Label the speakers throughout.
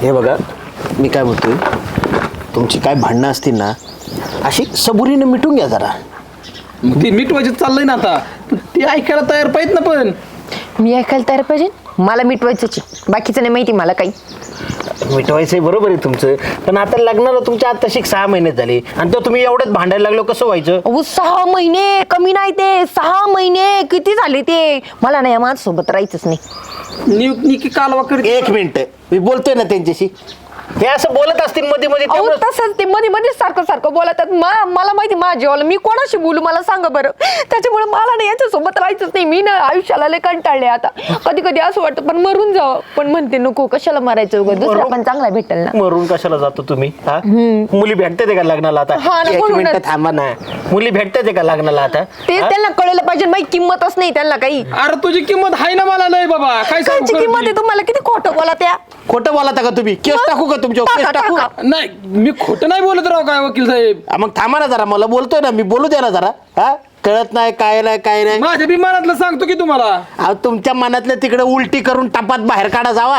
Speaker 1: हे बघा, मी काय म्हणतोय, तुमची काय भांडणं असतील ना अशी सबुरीने मिटून घ्या जरा.
Speaker 2: ते मिटवायचं चाललंय ना आता, ते ऐकायला तयार पाहिजे ना. पण
Speaker 3: मी ऐकायला तयार पाहिजे, मला मिटवायचंच आहे, बाकीचं नाही माहिती मला काही.
Speaker 1: मिटवायचंय बरोबर आहे तुमचं, पण आता लग्नाला तुमच्या आता 6 महिने झाले आणि तो तुम्ही एवढ्यात भांडायला लागलो, कसं व्हायचं?
Speaker 3: अहो 6 महिने कमी नाही, ते 6 महिने किती झाले ते. मला नाही माझ्यासोबत राहायचंच नाही.
Speaker 2: निकी कालवा करते.
Speaker 1: 1 मिनिट, मी बोलतोय ना त्यांच्याशी. हे असं बोलत असतील मध्ये मध्ये,
Speaker 3: अहो
Speaker 1: त्यामुळे
Speaker 3: तसंच ते मध्ये मध्ये सारखं बोलतात. मला माहिती माझ्या जीवाला मी कोणाशी बोलू मला सांगा बरं. त्याच्यामुळे मला नाही यांच्यासोबत राहायचंच नाही. मी ना आयुष्याला लय कंटाळले आता. कधी कधी असं वाटतं पण मरून जावं, पण म्हणते नको, कशाला मारायचं उगाच, दुसरा पण चांगला भेटेल ना.
Speaker 1: मरून कशाला जातो तुम्ही? हा, मुली भेटते का लग्नाला आता?
Speaker 3: हा ना,
Speaker 1: 1
Speaker 3: म्हणूनच.
Speaker 1: मिनिट थांबा ना, मुली भेटते का लग्नाला आता?
Speaker 3: ते त्यांना कळलं पाहिजे, माझी किंमतच नाही त्यांना काही.
Speaker 2: अरे तुझी किंमत आहे ना मला नाही बाबा, काय सांगू
Speaker 3: कायची किंमत आहे तुम्हाला? किती खोटं बोला त्या.
Speaker 1: खोटं बोलता का तुम्ही? केस टाकू का तुमच्यावर? केस टाकू?
Speaker 2: नाही, मी खोटं नाही बोलत राव काय वकील साहेब.
Speaker 1: मग थांबा ना जरा, मला बोलतोय ना मी, बोलू द्या ना जरा. हा, कळत नाही काय नाही.
Speaker 2: माझ्या विमानातलं सांगतो की तुम्हाला.
Speaker 1: अहो तुमच्या मनातलं तिकडे उलटी करून टपात बाहेर काढा जावा.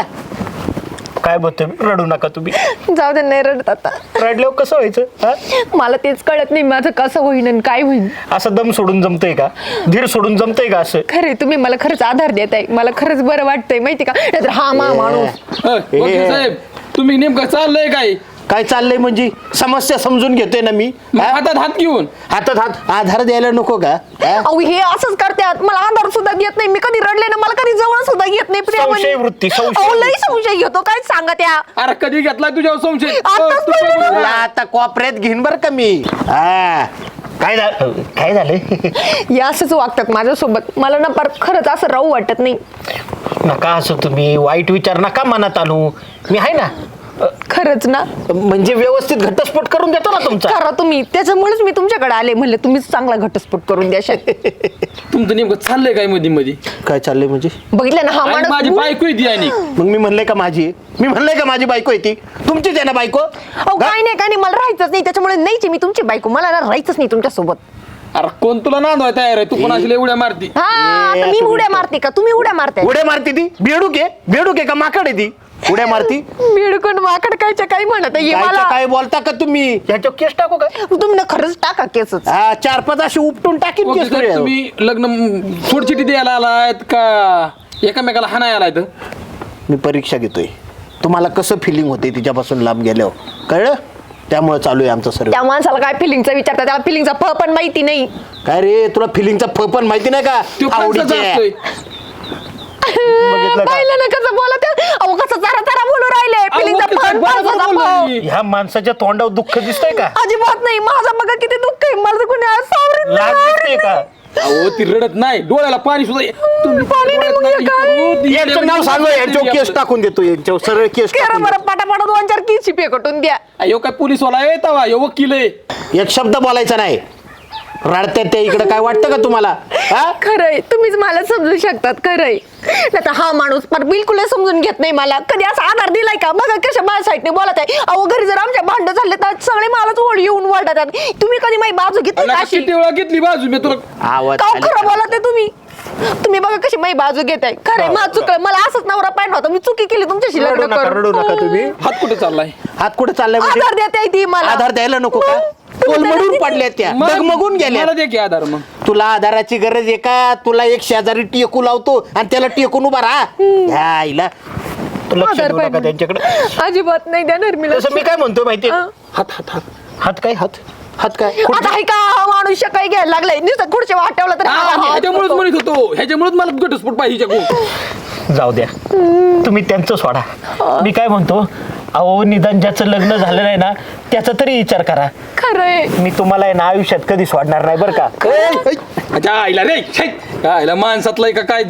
Speaker 1: काय बोलतोय, रडू नका तुम्ही.
Speaker 3: जाऊ दे, नाही रडत आता.
Speaker 1: रडल्यावर कसं व्हायचं? हा?
Speaker 3: मला तेच कळत नाही माझं कसं होईन आणि काय होईन.
Speaker 1: असं दम सोडून जमतंय का? धीर सोडून जमतंय का असं?
Speaker 3: खरे तुम्ही मला खरंच आधार देताय, मला खरंच बरं वाटतंय माहिती का. नाहीतर हा माणूस.
Speaker 2: वकील साहेब तुम्ही नेमकं चाललंय
Speaker 1: काय चाललंय म्हणजे? समस्या समजून घेतोय ना मी.
Speaker 2: मग हातात हात घेऊन
Speaker 1: हातात हात आधार द्यायला नको का? हा?
Speaker 3: अहो हे असंच करतात, मला आधार सुद्धा देत नाही. मी कधी रडले ना, मला कधी जवळ सुद्धा घेत नाही प्रेमाने.
Speaker 1: संशय वृत्ती, संशय
Speaker 3: अहो लई संशय घेतो, काय सांगा त्या.
Speaker 2: अरे कधी घेतलाय तुझ्यावर संशय?
Speaker 3: आताच
Speaker 2: तू
Speaker 3: पडलं ना.
Speaker 1: तुला आता कॉपऱ्यात घेईन बर का मी. हा, काय झालं?
Speaker 3: हे असंच वागतात माझ्यासोबत. मला ना पर खरंच असं राहू वाटत नाही.
Speaker 1: नका असं तुम्ही वाईट विचार नका मनात आणू. मी आहे ना,
Speaker 3: खरंच ना.
Speaker 1: म्हणजे व्यवस्थित घटस्फोट करून देतो ना तुमचा.
Speaker 3: करा तुम्ही, त्याच्यामुळेच मी तुमच्याकडे आले, म्हणलं तुम्हीच चांगला घटस्फोट करून द्या.
Speaker 2: तुमचं नेमकं चाललंय काय मध्ये मध्ये?
Speaker 1: काय चाललंय म्हणजे?
Speaker 3: बघितलं ना हा
Speaker 2: आणि माझी
Speaker 3: माणूस.
Speaker 2: बायको आहे ती आणि
Speaker 1: मग मी म्हणलंय का माझी आहे? मी म्हणलंय का माझी बायको आहे ती? तुमचीच आहे ना बायको?
Speaker 3: अहो काय नाही, मला राहायचंच नाही, त्याच्यामुळे नाहीची मी तुमची बायको. मला ना राहायचंच नाही तुमच्यासोबत.
Speaker 2: अरे कोण तुला नांदवाय तयार आहे? तू कोणाशी लय उड्या मारती?
Speaker 3: हा, आता मी उड्या मारते का तुम्ही उड्या मारताय?
Speaker 1: उड्या मारती ती? बेडूक आहे का माकड आहे ती? उड्या मारती?
Speaker 3: बिडकून माकड कायच्या काही म्हणत आहे
Speaker 1: कायच्या
Speaker 3: मला.
Speaker 1: काय बोलता का तुम्ही? ह्याच्यावर केस टाकू का?
Speaker 3: तुम्ही ना खरंच टाका केसच.
Speaker 1: हा, 4-5 अशी उपटून टाकीन
Speaker 2: वकील
Speaker 1: केस
Speaker 2: साहेब,
Speaker 1: तुझ्यावर.
Speaker 2: तुम्ही लग्न सोडचिठी द्यायला आलायत का एकामेकाला हाणाय आलायत?
Speaker 1: मी परीक्षा घेतोय, तुम्हाला कसं फिलिंग होते तिच्यापासून लांब गेल्यावर, कळलं? त्यामुळे चालू आहे आमचं सर्व.
Speaker 3: त्या माणसाला काय फिलिंगचा विचारता, त्याला फिलिंगचा फ पण माहिती नाही.
Speaker 1: काय रे, तुला फिलिंगचा फ पण माहिती नाही का?
Speaker 2: तो
Speaker 1: आवडीचे.
Speaker 2: कसा असतोय?
Speaker 1: बघितलं का?
Speaker 3: पाहिलं ना कसं बोलत आहे? अहो कसं जरा बोलू राहिले.
Speaker 2: अहो,
Speaker 3: फिलिंगचा
Speaker 2: वकील
Speaker 3: फ
Speaker 2: साहेब, बरोबर
Speaker 3: माणसाचा
Speaker 2: बोललाय
Speaker 3: फ.
Speaker 2: मी.
Speaker 1: ह्या माणसाच्या तोंडावर दुःख दिसतंय का?
Speaker 3: अजिबात नाही. माझा बघा किती दुःख आहे. मला तर कोणी आज सावरत
Speaker 1: लाज दिसते का?
Speaker 2: अहो ती रडत नाही, डोळ्याला पाणी सुद्धा तुम्ही
Speaker 3: पाणी नाही, मग हे काय?
Speaker 1: यांचं नाव सांगू, यांच्यावर केस टाकून देतो, यांच्यावर सरळ केस
Speaker 3: करा
Speaker 1: टाकून
Speaker 3: बरं, पटापट 2-4 किशी पेकटून द्या.
Speaker 2: अयो काय पोलीस वाला आहे तवा, यो वकील आहे.
Speaker 1: देतो. एक शब्द बोलायचा नाही. रडतात त्या इकडे, काय वाटतं का तुम्हाला? हा?
Speaker 3: खरंय, तुम्हीच मला समजू शकतात. खरंय, नाही हा माणूस पण बिलकुल समजून घेत नाही मला. कधी असा आधार दिलाय का? बघा कशा माझ्या साईडने बोलत आहे. अहो घरी जर आमच्या भांडण झाले तर सगळे मलाच ओढ येऊन वळतात. तुम्ही कधी माझी बाजू घेतली का अशी?
Speaker 2: किती वेळा घेतली बाजू मी तुला?
Speaker 1: आवाज
Speaker 3: का
Speaker 1: खाली
Speaker 3: खरं
Speaker 1: करा.
Speaker 3: बोलत आहे तुम्ही बघा कशी माझी बाजू घेताय. खरंय, माझं चुकलं. मला असंच नवरा पाहिजे होता. मी चुकी केली तुमच्याशी
Speaker 1: रडू
Speaker 3: लग्न
Speaker 1: नका, रडू नका
Speaker 3: करून.
Speaker 1: तुम्ही.
Speaker 2: हात कुठे चाललाय?
Speaker 1: हात कुठे चाललाय म्हणजे?
Speaker 3: आधार देते ती मला.
Speaker 1: आधार द्यायला नको का? कोलमडून पडल्या त्या, डगमगून गेल्या.
Speaker 2: मला दे की आधार मग.
Speaker 1: तुला आधाराची गरज आहे का? तुला एक शेजारी टेकू लावतो आणि त्याला टेकून उभा राहा. ह्या आईला तू लक्ष
Speaker 3: आधार
Speaker 1: देऊ नका
Speaker 3: पाहिजे.
Speaker 1: त्यांच्याकडे.
Speaker 3: अजिबात नाही देणार मी.
Speaker 1: तसं मी काय म्हणतो माहितीये?
Speaker 3: हा.
Speaker 1: हात हात हात हात काय? हात काय?
Speaker 3: आता आहे का हा माणूस काही घ्यायला लागलाय? नुसतं खुर्च्या वाटवला तर
Speaker 2: ह्याच्यामुळेच म्हणत होतो, ह्याच्यामुळेच मला घटस्फोट पाहिजे हिच्याकडून.
Speaker 1: जाऊ द्या, तुम्ही त्यांचं सोडा. मी काय म्हणतो, अहो निदान ज्याचं लग्न झालं नाही ना त्याचा तरी विचार करा.
Speaker 3: खरंय,
Speaker 1: मी तुम्हाला आहे ना आयुष्यात कधी सोडणार नाही बरं का?
Speaker 2: अच्छा आईला रे, आईला माणसातलं का काय?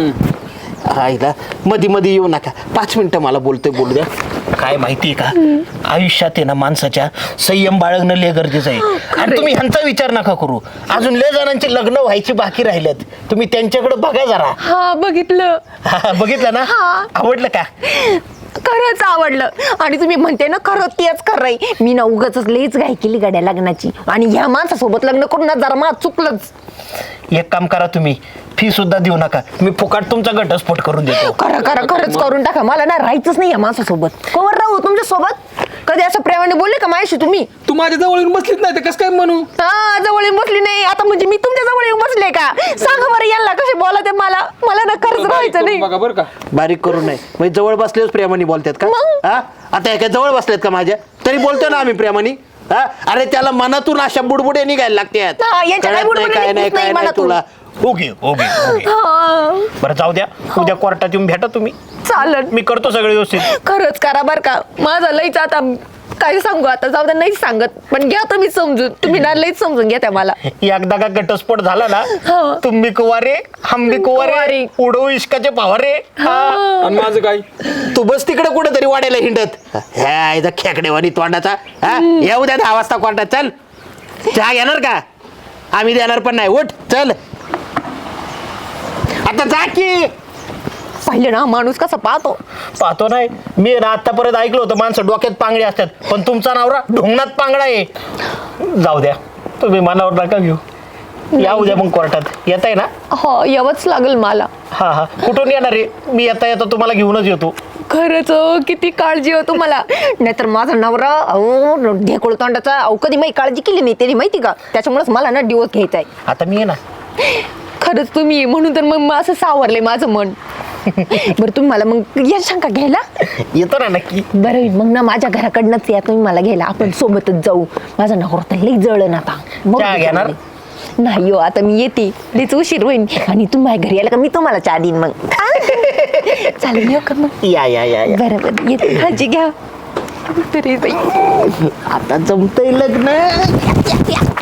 Speaker 1: आईला मध्ये येऊ नका. 5 मिनिटं मला बोलू द्या. काय माहितीये का, आयुष्यात आहे ना माणसाच्या संयम बाळगणं लय गरजेचं आहे. आणि तुम्ही ह्यांचा विचार नका करू. अजून लय जणांची लग्न व्हायची बाकी राहिलेत. तुम्ही त्यांच्याकडे बघा जरा.
Speaker 3: हा बघितलं.
Speaker 1: बघितलं ना? आवडलं का?
Speaker 3: खरंच आवडलं. आणि तुम्ही म्हणते ना खरं तेच खरंय. मी ना उगाच लईच घाई केली गाड्या लग्नाची. आणि ह्या माणसासोबत लग्न करून ना जरा माझं चुकलंच.
Speaker 1: एक काम करा, तुम्ही फी सुद्धा देऊ नका. मी फुकाट तुमचा घटस्फोट करून देतो.
Speaker 3: खरंच करून टाका. मला ना राहायचंच नाही या माणसासोबत. कवर राहू हो तुमच्या सोबत कधी असं प्रेमाने बोलले का माझ्याशी तुम्ही?
Speaker 2: तू माझ्या जवळ येऊन बसलीच नाही तर कसं काय म्हणू?
Speaker 3: हा जवळ येऊन बसली नाही आता म्हणजे मी तुमच्या जवळ येऊन बसले का? सांगा बरं यांना कसे बोलत मला ना खर्च राहायचं नाही.
Speaker 2: बघा बरं का.
Speaker 1: बारीक करू नये म्हणजे जवळ बसलेच प्रेमाने बोलतात का?
Speaker 3: मग?
Speaker 1: हा आता एका जवळ बसलेत का माझ्या तरी बोलतो ना आम्ही प्रेमाने. हा अरे त्याला मनातून अशा बुडबुडे निघायला लागतात.
Speaker 3: हा, यांच्या काय
Speaker 1: कळत नाही,
Speaker 3: बुडबुडे
Speaker 1: काय नाही
Speaker 3: निघत
Speaker 1: काय
Speaker 3: नाही
Speaker 1: नाही
Speaker 3: मनातून.
Speaker 1: तुला. ओके ओके ओके
Speaker 3: हा
Speaker 1: बरं जाऊ द्या उद्या कोर्टात येऊन भेटा तुम्ही.
Speaker 3: चालन
Speaker 1: मी करतो सगळे व्यवस्थित.
Speaker 3: खरंच करा बर का. माझं लईच आता काय सांगू आता जाऊ द्या नाहीच सांगत पण घ्या तुम्ही समजून. तुम्ही ना लईच समजून घ्या त्या मला.
Speaker 1: एकदा का घटस्फोट झाला ना
Speaker 3: हा.
Speaker 1: तुम्ही कुवारे हम भी कुवारे
Speaker 3: कुवारे.
Speaker 1: उडो इश्काचे पवारे.
Speaker 2: आणि माझं काय?
Speaker 1: तू बस तिकडे कुठेतरी वाढायला हिंडत ह्या इथं खेकडेवानी तोंडाचा. हा येऊ द्या 10 वाजता कोर्टात. चल चहा घेणार का? आम्ही देणार पण नाही. उठ चल आता जा की.
Speaker 3: पाहिलं ना माणूस कसा
Speaker 1: पाहतो नाही मी ना आतापर्यंत ऐकलं होतं माणसं डोक्यात पांगडे असतात पण तुमचा नवरा ढोंगणात पांगडा आहे. जाऊ द्या तुम्ही मनावर नका घेऊ. या उद्या मग कोर्टात येत आहे ना?
Speaker 3: हो यावंच लागेल मला.
Speaker 1: हा हा कुठून येणार आहे? मी येता येता तुम्हाला घेऊनच येतो.
Speaker 3: खरंच किती काळजी हो तुम्हाला. नाहीतर माझा नवरा अहो ढेकोळ तोंडाचा अहो कधी माझी काळजी केली नाही तरी माहिती का त्याच्यामुळेच मला ना डिवोर्स घ्यायचा आहे.
Speaker 1: आता मी आहे ना.
Speaker 3: खरंच तुम्ही म्हणून तर मग असं सावरले माझं मन. बरं तुम्ही मला मग या शंका घ्यायला
Speaker 1: येतो ना नक्की.
Speaker 3: बरं मग ना माझ्या घराकडनंच या तुम्ही मला घ्यायला आपण सोबतच जाऊ. माझा नवरा तर लई जळण आता. मग
Speaker 1: चहा घेणार?
Speaker 3: नाही हो आता मी येते लईच उशीर होईल आणि तुम्ही माझ्या घरी आला का मी तुम्हाला चहा देईन मग. चालेल येऊ का मग?
Speaker 1: या या या या.
Speaker 3: बरं बरं येते काळजी घ्या. तरी बाई
Speaker 1: आता जमतंय लग्न.